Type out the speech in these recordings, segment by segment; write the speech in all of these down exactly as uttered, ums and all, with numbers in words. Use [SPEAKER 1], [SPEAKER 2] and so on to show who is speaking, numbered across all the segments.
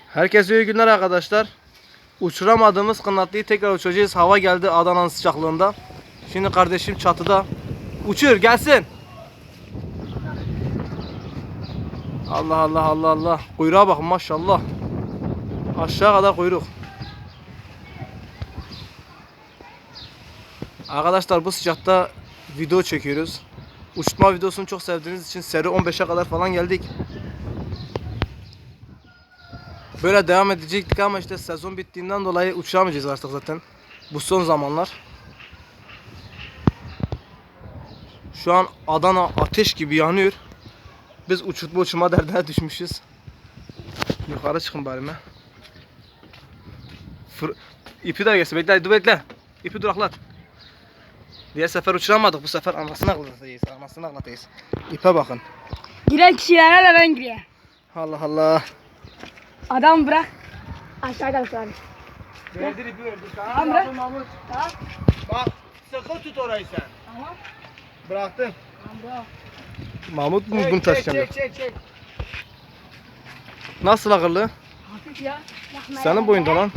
[SPEAKER 1] Herkese iyi günler arkadaşlar. Uçuramadığımız kanatlıyı tekrar uçuracağız. Hava geldi Adana'nın sıcaklığında. Şimdi kardeşim çatıda. Uçur gelsin. Allah Allah Allah Allah. Kuyruğa bakın maşallah. Aşağı kadar kuyruk. Arkadaşlar bu sıcakta video çekiyoruz. Uçurtma videosunu çok sevdiğiniz için seri on beşe kadar falan geldik. Böyle devam edecektik ama işte sezon bittiğinden dolayı uçamayacağız artık zaten. Bu son zamanlar. Şu an Adana ateş gibi yanıyor. Biz uçurtma uçurma derdine düşmüşüz. Yukarı çıkın bari mi? Fır... İpi de gelsin. Bekle, dur bekle. İpi duraklat. Diğer sefer uçuramadık. Bu sefer anasını ağlatacağız. Anasını ağlatacağız. İpe bakın.
[SPEAKER 2] Giren kişilere de ben giriyor.
[SPEAKER 1] Allah Allah.
[SPEAKER 2] Adam bırak. Aşağıdan sonra.
[SPEAKER 1] Verdir ipi verdir.
[SPEAKER 2] Tamam bırak.
[SPEAKER 1] Mahmut.
[SPEAKER 2] Tamam.
[SPEAKER 1] Bak sıkı tut orayı sen.
[SPEAKER 2] Tamam.
[SPEAKER 1] Bıraktım.
[SPEAKER 2] Tamam bırak.
[SPEAKER 1] Mahmut mu
[SPEAKER 3] Çek,
[SPEAKER 1] bunu
[SPEAKER 3] çek,
[SPEAKER 1] taşıyacak?
[SPEAKER 3] çek, çek, çek.
[SPEAKER 1] Nasıl akıllı?
[SPEAKER 2] Hafif ya.
[SPEAKER 1] Senin boyunda lan.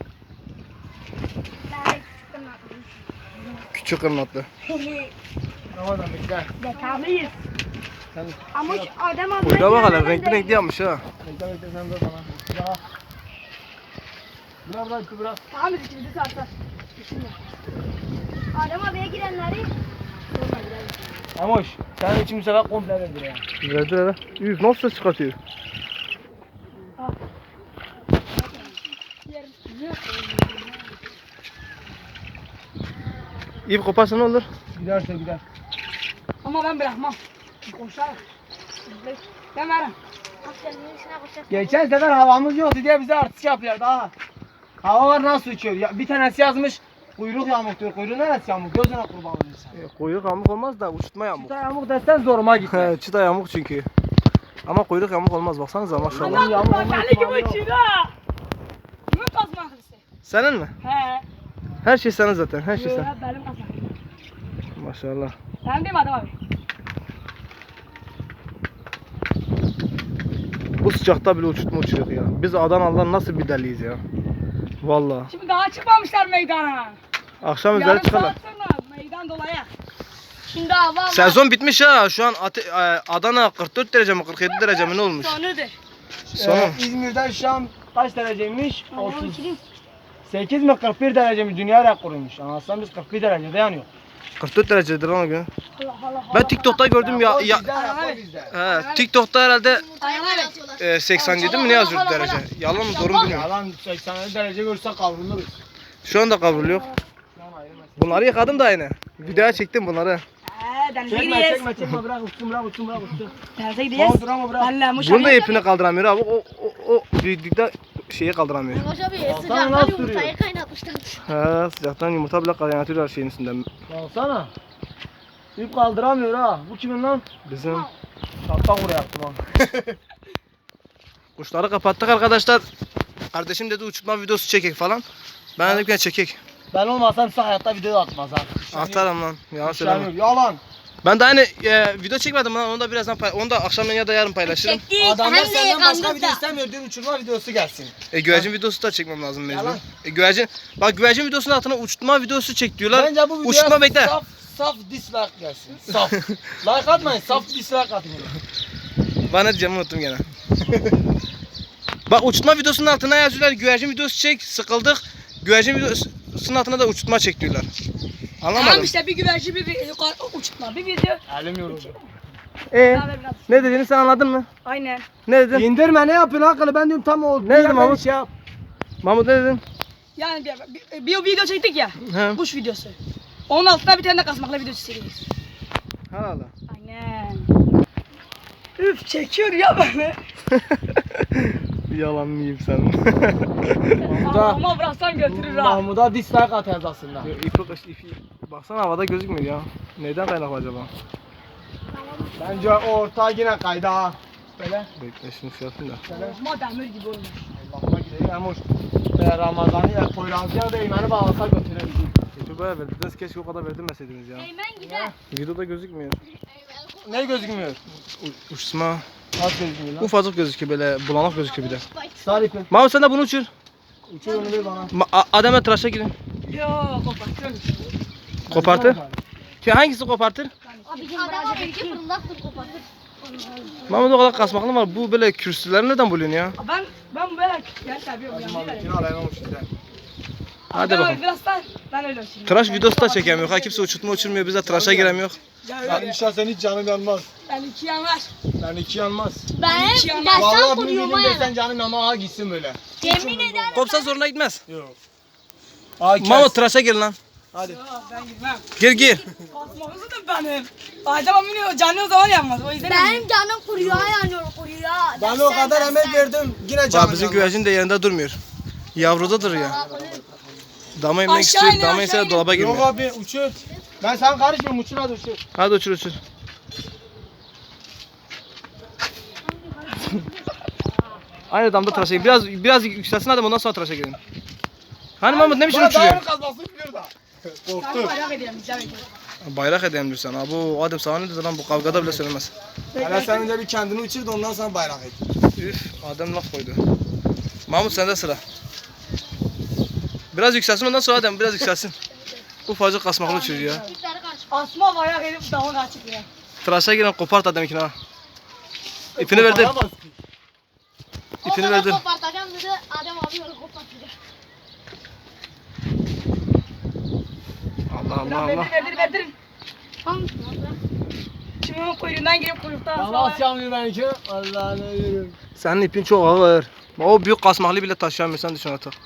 [SPEAKER 1] Küçük kırnatlı.
[SPEAKER 3] Ramazan bekle.
[SPEAKER 2] Detaklıyız.
[SPEAKER 3] Sen
[SPEAKER 2] Ama şu adam abla.
[SPEAKER 1] Kuyruğa bak hele renkli renkli yapmış ha.
[SPEAKER 3] bekle bekle sen dur bana. Bırak. Bırak bırak ipi bırak.
[SPEAKER 2] Tamam biz ikimizi sarsak. Düşünme. Adam abiye girenleri. Sorma girelim.
[SPEAKER 3] Amoş sen için bu sefer komple verdir ya.
[SPEAKER 1] Verdi hele. Üf nasıl ses çıkartıyor? İp koparsa ne olur?
[SPEAKER 3] Giderse gider.
[SPEAKER 2] Ama ben bırakmam. Koşar. Ben varım.
[SPEAKER 3] Geçen sefer havamız yoktu diye bize artist yapıyor daha. Hava var nasıl uçuyor? Ya, bir tanesi yazmış kuyruk yamuk diyor. Kuyruğu neresi yamuk? Gözüne kurban olayım sen.
[SPEAKER 1] E, kuyruk yamuk olmaz da uçurtma yamuk.
[SPEAKER 3] Çıta yamuk desen zoruma gitti.
[SPEAKER 1] He, çıta yamuk çünkü. Ama kuyruk yamuk olmaz baksanıza maşallah.
[SPEAKER 2] Adam
[SPEAKER 3] yağmur
[SPEAKER 2] bak
[SPEAKER 3] olma
[SPEAKER 2] Ali
[SPEAKER 3] ihtimali
[SPEAKER 2] gibi
[SPEAKER 3] yok.
[SPEAKER 2] uçuyor. Kimin kazmaklısı?
[SPEAKER 1] Senin mi?
[SPEAKER 2] He.
[SPEAKER 1] Her şey senin zaten, her şey
[SPEAKER 2] Yok
[SPEAKER 1] sen.
[SPEAKER 2] hep benim kazmaklım.
[SPEAKER 1] Maşallah.
[SPEAKER 2] Sen değil mi adam abi?
[SPEAKER 1] Bu sıcakta bile uçurtma uçuruyor ya. Biz Adanalılar nasıl bir deliyiz ya. Vallahi.
[SPEAKER 2] Şimdi daha çıkmamışlar meydana.
[SPEAKER 1] Akşam üzeri
[SPEAKER 2] Yarım
[SPEAKER 1] çıkarlar.
[SPEAKER 2] saat sonra meydan dolaya. Şimdi hava var.
[SPEAKER 1] Sezon bitmiş ha. Şu an Ate- e, Adana kırk dört derece mi kırk yedi derece mi ne olmuş?
[SPEAKER 2] Sonudur.
[SPEAKER 1] Son.
[SPEAKER 3] Ee, İzmir'de şu an kaç dereceymiş? otuz sekiz mi kırk bir derece mi dünya rekoruymuş. Anlatsan biz kırk bir derecede yanıyor.
[SPEAKER 1] kırk dört derecedir lan o gün.
[SPEAKER 2] Allah Allah.
[SPEAKER 1] Ben TikTok'ta gördüm ya. ya
[SPEAKER 3] Bizde, rapor bizde.
[SPEAKER 1] he, TikTok'ta herhalde
[SPEAKER 2] Ayağına
[SPEAKER 1] e, seksen yedi mi ne yazıyordu derece? Yalan mı doğru mu bilmiyorum.
[SPEAKER 3] Yalan seksen derece görse kavruluruz.
[SPEAKER 1] Şu anda kavruluyor. Bunları yıkadım da aynı. Videoya çektim bunları.
[SPEAKER 2] Eee denize
[SPEAKER 3] Çekme
[SPEAKER 2] gideceğiz.
[SPEAKER 3] çekme çekme bırak uçsun bırak uçsun bırak uçsun.
[SPEAKER 2] Denize gideceğiz.
[SPEAKER 3] Tamam dur ama bırak.
[SPEAKER 2] Benle Muş
[SPEAKER 1] Bunun da
[SPEAKER 2] Ali-
[SPEAKER 1] ipini kaldıramıyor abi. O o o büyüklükte şeyi kaldıramıyor.
[SPEAKER 4] Yavaş abi
[SPEAKER 3] Alsana,
[SPEAKER 4] sıcaktan
[SPEAKER 3] nasıl
[SPEAKER 4] yumurtayı
[SPEAKER 3] duruyor?
[SPEAKER 4] kaynatmışlar.
[SPEAKER 1] He, sıcaktan yumurta bile kaynatıyorlar şeyin üstünden.
[SPEAKER 3] Baksana. İp kaldıramıyor ha. Bu kimin lan?
[SPEAKER 1] Bizim
[SPEAKER 3] Şaptan buraya yaptım ha.
[SPEAKER 1] kuşları kapattık arkadaşlar. Kardeşim dedi uçurtma videosu çekek falan. Ben dedim ki çekek.
[SPEAKER 3] Ben olmasam size hayatta video da atmaz ha.
[SPEAKER 1] Atarım lan. Yalan
[SPEAKER 3] Söyleme.
[SPEAKER 1] söyleme.
[SPEAKER 3] Yalan.
[SPEAKER 1] Ben de aynı e, video çekmedim lan. Onu da birazdan pay onu da akşam ya da yarın paylaşırım.
[SPEAKER 2] Çektik.
[SPEAKER 3] Adamlar
[SPEAKER 4] Hem de
[SPEAKER 3] senden başka
[SPEAKER 4] yıkandık
[SPEAKER 3] video
[SPEAKER 4] da.
[SPEAKER 3] istemiyor diyor uçurma videosu gelsin.
[SPEAKER 1] E güvercin videosu da çekmem lazım mecbur.
[SPEAKER 3] Yalan.
[SPEAKER 1] E güvercin bak güvercin videosunun altına uçurtma videosu çek diyorlar.
[SPEAKER 3] Bence bu
[SPEAKER 1] Uçurtma
[SPEAKER 3] videoya
[SPEAKER 1] bekle.
[SPEAKER 3] saf, saf dislike gelsin. Saf. Like atmayın saf dislike atın.
[SPEAKER 1] Bana ne diyeceğimi unuttum gene. Bak uçurtma videosunun altına yazıyorlar güvercin videosu çek sıkıldık. Güvercin videosunun altına da uçurtma çek diyorlar. Anlamadım.
[SPEAKER 2] Tamam işte bir güvercin bir, bir yukarı uçurtma bir video.
[SPEAKER 3] Elim yoruldu.
[SPEAKER 1] E
[SPEAKER 2] Daha da biraz.
[SPEAKER 1] ne dediğini sen anladın mı?
[SPEAKER 2] Aynen.
[SPEAKER 1] Ne dedin?
[SPEAKER 3] İndirme ne yapıyorsun akıllı ben diyorum tam oldu.
[SPEAKER 1] Ne dedim Mahmut?
[SPEAKER 3] Şey yap.
[SPEAKER 1] Mahmut ne dedin?
[SPEAKER 2] Yani bir, bir, bir video çektik ya.
[SPEAKER 1] He.
[SPEAKER 2] Kuş videosu. Onun altına bir tane de kasmakla videosu çekeceğiz.
[SPEAKER 1] Hala.
[SPEAKER 2] Aynen. Üf çekiyor ya beni.
[SPEAKER 1] Yalan mıyım sen?
[SPEAKER 3] Mahmut'a,
[SPEAKER 2] Ama bıraksan götürür ha.
[SPEAKER 3] Mahmut'a dislike atacağız aslında.
[SPEAKER 1] İpi, ipi, baksana havada gözükmüyor ya. Neyden kaynaklı acaba?
[SPEAKER 3] Bence o orta yine kaydı ha. Böyle.
[SPEAKER 1] Bekle şunu şey yapayım da.
[SPEAKER 2] Ama demir gibi olmuş.
[SPEAKER 3] Allah'ıma gideyim ama e, Ramazan'ı ya Poyraz'ı da imeni bağlasa götürebilirim.
[SPEAKER 1] İpi bayağı verdiniz. Keşke o kadar verdirmeseydiniz ya.
[SPEAKER 4] Eymen gider.
[SPEAKER 1] Videoda gözükmüyor.
[SPEAKER 3] Ne gözükmüyor?
[SPEAKER 1] U uçma.
[SPEAKER 3] Az gözükmüyor lan.
[SPEAKER 1] Ufacık gözüküyor böyle bulanık gözüküyor bir de.
[SPEAKER 3] Sar ipi.
[SPEAKER 1] Mahmut sen de bunu uçur.
[SPEAKER 3] Uçur onu ver bana.
[SPEAKER 1] Ma A- Adem'le tıraşa girin.
[SPEAKER 3] Yo kopartıyorum.
[SPEAKER 1] Kopartır. Ki hangisi kopartır?
[SPEAKER 2] Abicim adam abi ki fırındaktır kopatır.
[SPEAKER 1] Mahmut o kadar kasmaklı var. Bu böyle kürsüleri nereden buluyorsun ya?
[SPEAKER 4] Ben ben böyle ya seviyorum
[SPEAKER 3] Hadi
[SPEAKER 4] yani.
[SPEAKER 3] Mahmut yine alayım size.
[SPEAKER 1] Hadi
[SPEAKER 4] Ben
[SPEAKER 1] bakalım.
[SPEAKER 4] Biraz da ben öyle uçayım.
[SPEAKER 1] Tıraş videosu da çekemiyor. Ha kimse uçurtma uçurmuyor. Biz de tıraşa giremiyor.
[SPEAKER 4] Ya
[SPEAKER 3] Ben
[SPEAKER 4] öyle.
[SPEAKER 3] şahsen hiç canım yanmaz.
[SPEAKER 4] Ben iki yanlar.
[SPEAKER 3] Ben iki yanmaz.
[SPEAKER 2] Ben
[SPEAKER 4] Hiç yanmaz.
[SPEAKER 2] dersten
[SPEAKER 3] Vallahi bunu
[SPEAKER 2] kuruyorum
[SPEAKER 3] bildim
[SPEAKER 2] ha.
[SPEAKER 3] desen canım ama ha gitsin böyle.
[SPEAKER 2] Yemin ederim.
[SPEAKER 1] Kopsa zoruna gitmez.
[SPEAKER 3] Yok. Ha kes.
[SPEAKER 1] Mahmut tıraşa gir lan.
[SPEAKER 3] Hadi.
[SPEAKER 4] Ya ben gitmem.
[SPEAKER 1] Gir gir.
[SPEAKER 4] Basmağızı da benim. Adem amino canlı o zaman yanmaz. O yüzden
[SPEAKER 2] Benim canım kuruyor yanıyor kuruyor.
[SPEAKER 3] Ben o kadar emek verdim yine canım
[SPEAKER 1] Bak bizim
[SPEAKER 3] yanmaz.
[SPEAKER 1] güvercin de yerinde durmuyor. Yavrudadır ya. Dama inmek
[SPEAKER 4] Aşağı
[SPEAKER 1] istiyor.
[SPEAKER 4] inin,
[SPEAKER 1] Dama
[SPEAKER 4] aşağı
[SPEAKER 1] ise
[SPEAKER 4] inin.
[SPEAKER 1] dolaba
[SPEAKER 3] Yok
[SPEAKER 1] girmiyor.
[SPEAKER 3] abi uçur. Ben sana karışmıyorum uçur hadi uçur.
[SPEAKER 1] Hadi uçur uçur. Aynı damda tıraşa gir. Biraz biraz yükselsin adam ondan sonra tıraşa girin. Hani Mahmut ne biçim
[SPEAKER 3] Bana
[SPEAKER 1] uçuruyor?
[SPEAKER 3] dağın kazması biliyor da.
[SPEAKER 4] ben
[SPEAKER 3] Korktu.
[SPEAKER 4] merak ediyorum. Güzel bir
[SPEAKER 1] Bayrak edeyim diyor sana. Bu Adem sana ne dedi lan bu kavgada bile söylemez.
[SPEAKER 3] Hele sen önce bir kendini uçur da ondan sonra bayrak et.
[SPEAKER 1] Üf Adem laf koydu. Mahmut sende sıra. Biraz yükselsin ondan sonra Adem biraz yükselsin. Ufacık kasmaklı uçuruyor ya.
[SPEAKER 4] Asma bayağı edip dağın açık ya.
[SPEAKER 1] Tıraşa giren kopart Adem'inkini ha. İpini verdim.
[SPEAKER 3] Koparamaz ki.
[SPEAKER 1] İpini verdim.
[SPEAKER 2] Kopartacağım dedi. Adem abi yolu kopartacak.
[SPEAKER 1] Allah Allah
[SPEAKER 4] Lan
[SPEAKER 1] Allah.
[SPEAKER 4] verdir verdir verdir.
[SPEAKER 2] Tamam.
[SPEAKER 4] Şimdi onun kuyruğundan girip kuyruktan
[SPEAKER 3] Bana
[SPEAKER 4] asma.
[SPEAKER 3] nasıl yanmıyor benimki? Allah'ını yürüm.
[SPEAKER 1] Senin ipin çok ağır. O büyük kasmaklı bile taşıyamıyor sen düşün artık.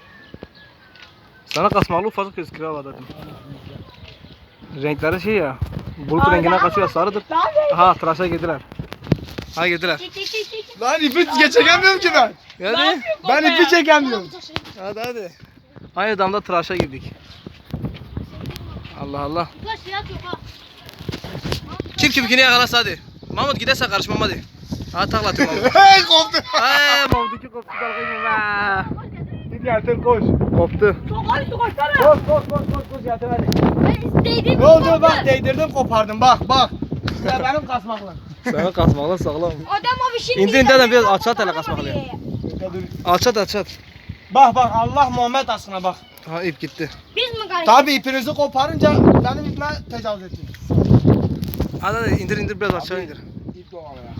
[SPEAKER 1] Sana kasmaklı ufacık gözüküyor havada dedim. Renkleri şey ya. Bulut rengine kaçıyor sarıdır. Aha tıraşa girdiler. Ha girdiler.
[SPEAKER 2] Çek çek çek çek.
[SPEAKER 3] Lan ipi geçemiyorum ki ben.
[SPEAKER 1] Hadi.
[SPEAKER 3] Ben ipi çekemiyorum.
[SPEAKER 1] Hadi hadi. Aynı damda tıraşa girdik. Allah Allah.
[SPEAKER 2] Ulaş ya yok ha.
[SPEAKER 1] Kim kimkini yakalasa hadi. Mahmut giderse karışmam hadi. Ha takla atayım Mahmut.
[SPEAKER 3] Hey koptu.
[SPEAKER 1] Ay Mahmut iki koptu dalgayım be.
[SPEAKER 3] Git yatır koş.
[SPEAKER 1] Koptu.
[SPEAKER 4] Çok hadi su koşsana.
[SPEAKER 3] Koş koş koş koş koş yatır hadi.
[SPEAKER 2] Ben değdim.
[SPEAKER 3] Ne oldu bak değdirdim kopardım bak bak. Ya benim kasmakla.
[SPEAKER 1] Sana kasmakla sağlam.
[SPEAKER 2] Adam abi şimdi.
[SPEAKER 1] İndir indir adam biraz alçalt hele kasmakla.
[SPEAKER 3] Ya dur.
[SPEAKER 1] Alçat alçat.
[SPEAKER 3] Bak bak Allah Muhammed aşkına bak.
[SPEAKER 1] Ha ip gitti.
[SPEAKER 2] Biz mi karıştık?
[SPEAKER 3] Tabi ipinizi koparınca benim ipime tecavüz ettiniz.
[SPEAKER 1] Hadi hadi indir indir biraz aşağı indir.
[SPEAKER 3] İp doğal ya.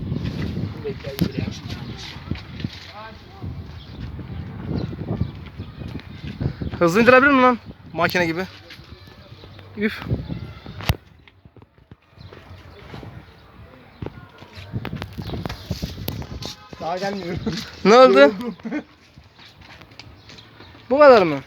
[SPEAKER 1] Hızlı indirebilir mi lan? Makine gibi. Üf.
[SPEAKER 3] Daha gelmiyor.
[SPEAKER 1] Ne oldu? Bu kadar mı?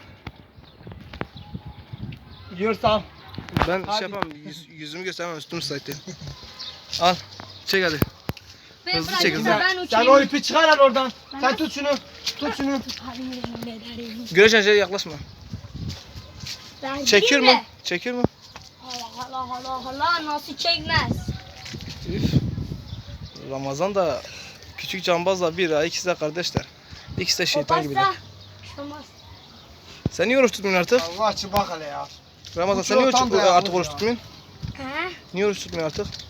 [SPEAKER 3] Yiyorsam.
[SPEAKER 1] Ben
[SPEAKER 3] Hadi.
[SPEAKER 1] şey yapamam. Yüz, yüzümü göstermem üstüm sayıtı. Al. Çek hadi.
[SPEAKER 2] Ben
[SPEAKER 1] Hızlı
[SPEAKER 2] bırakayım
[SPEAKER 1] çek,
[SPEAKER 2] da
[SPEAKER 1] hızlı.
[SPEAKER 2] ben
[SPEAKER 3] Sen
[SPEAKER 2] uçayım.
[SPEAKER 3] o ipi çıkar al oradan. Sen tut şunu. Tut şunu.
[SPEAKER 1] Güneş enerjiye yaklaşma.
[SPEAKER 2] Ben
[SPEAKER 1] Çekiyor mu?
[SPEAKER 2] gideyim de.
[SPEAKER 1] Çekiyor mu?
[SPEAKER 2] Allah Allah Allah Allah nasıl çekmez?
[SPEAKER 1] Üf. Ramazan da küçük cambazla bir ha ikisi de kardeşler. İkisi de şeytan gibiler.
[SPEAKER 2] Koparsa. Olmaz.
[SPEAKER 1] Sen niye oruç tutmuyorsun artık?
[SPEAKER 3] Allah açı bak hele ya.
[SPEAKER 1] Ramazan
[SPEAKER 3] Bu
[SPEAKER 1] sen niye
[SPEAKER 3] çok
[SPEAKER 1] oruç,
[SPEAKER 3] tam dayanmış
[SPEAKER 1] artık oruç
[SPEAKER 3] ya.
[SPEAKER 1] tutmuyorsun?
[SPEAKER 2] He?
[SPEAKER 1] Niye oruç tutmuyorsun artık?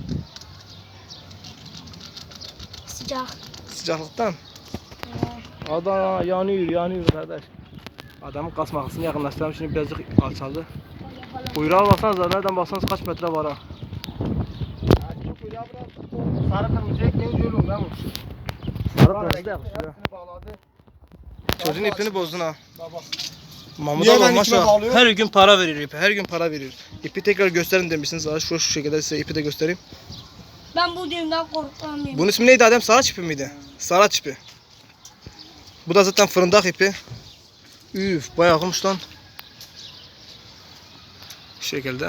[SPEAKER 2] Sıcak.
[SPEAKER 1] Sıcaklıktan. Adana yanıyor yanıyor kardeş. Adamın kasmakasını yakınlaştırdım şimdi birazcık alçaldı. Kuyruğa baksanıza nereden baksanız kaç metre var ha.
[SPEAKER 3] Sarı kırmızı ekmeğin yolum lan bu.
[SPEAKER 1] Sarı kırmızı da yakışıyor.
[SPEAKER 3] Hepsini bağladı.
[SPEAKER 1] Çocuğun ipini bozdun ha.
[SPEAKER 3] Baba.
[SPEAKER 1] Mahmut
[SPEAKER 3] Niye
[SPEAKER 1] abi
[SPEAKER 3] ben ipime
[SPEAKER 1] maşallah
[SPEAKER 3] bağlıyorum?
[SPEAKER 1] her gün para veriyor ipi, her gün para veriyor. İpi tekrar gösterin demişsiniz. Şu şu şekilde size ipi de göstereyim.
[SPEAKER 2] Ben bu düğümden korkmuyorum.
[SPEAKER 1] Bunun ismi neydi Adem? Saraç ipi miydi? Saraç ipi. Bu da zaten fırındak ipi. Üf bayağı olmuş lan. Şu şekilde.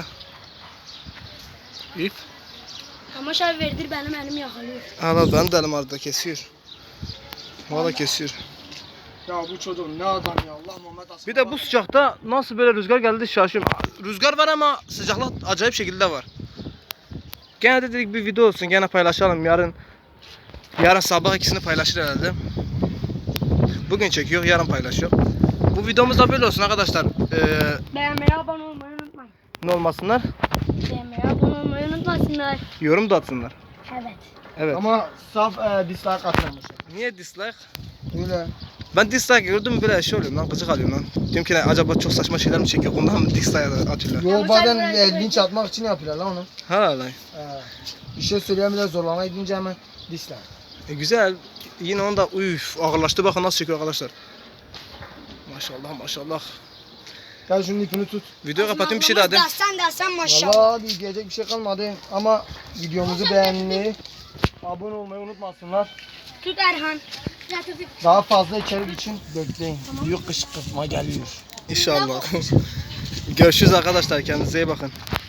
[SPEAKER 1] İp.
[SPEAKER 2] Ama şöyle verdir benim elim yakalıyor.
[SPEAKER 1] Hala benim de elim arada kesiyor. Valla kesiyor.
[SPEAKER 3] Ya bu çocuk ne adam ya Allah Muhammed aşkına.
[SPEAKER 1] Bir de bu sıcakta nasıl böyle rüzgar geldi şaşıyorum. Rüzgar var ama sıcaklık acayip şekilde var. Gene de dedik bir video olsun gene paylaşalım yarın. Yarın sabah ikisini paylaşır herhalde. Bugün çekiyor yarın paylaşıyor. Bu videomuz da böyle olsun arkadaşlar. Ee,
[SPEAKER 2] Beğenmeyi, abone olmayı unutmayın.
[SPEAKER 1] ne olmasınlar?
[SPEAKER 2] Beğenmeyi, abone olmayı unutmasınlar.
[SPEAKER 1] Yorum da atsınlar.
[SPEAKER 2] Evet.
[SPEAKER 1] Evet.
[SPEAKER 3] Ama saf e, dislike atmamışlar.
[SPEAKER 1] Niye dislike?
[SPEAKER 3] Öyle.
[SPEAKER 1] Ben dislike gördüm böyle şey oluyorum lan, gıcık alıyorum lan. Diyorum ki ne, acaba çok saçma şeyler mi çekiyor, ondan mı dislike atıyorlar?
[SPEAKER 3] Yo
[SPEAKER 2] bu
[SPEAKER 3] bazen
[SPEAKER 2] sefer
[SPEAKER 3] e,
[SPEAKER 2] böyle-
[SPEAKER 3] linç atmak için yapıyorlar lan onu.
[SPEAKER 1] Ha lan.
[SPEAKER 3] E, bir şey söyleyemeden zorlama edince hemen dislike.
[SPEAKER 1] E, güzel. Yine onda üf ağırlaştı, bakın nasıl çekiyor arkadaşlar. Maşallah maşallah.
[SPEAKER 3] Gel şunun ipini tut.
[SPEAKER 1] Video kapatayım, bir şey daha de.
[SPEAKER 2] Dersen dersen maşallah.
[SPEAKER 3] Vallahi hadi diyecek bir şey kalmadı ama videomuzu beğenmeyi, abone olmayı unutmasınlar.
[SPEAKER 2] Tut Erhan. Zaten
[SPEAKER 3] Daha fazla içerik için bekleyin. Büyük kışkırtma geliyor.
[SPEAKER 1] İnşallah. Görüşürüz arkadaşlar, kendinize iyi bakın.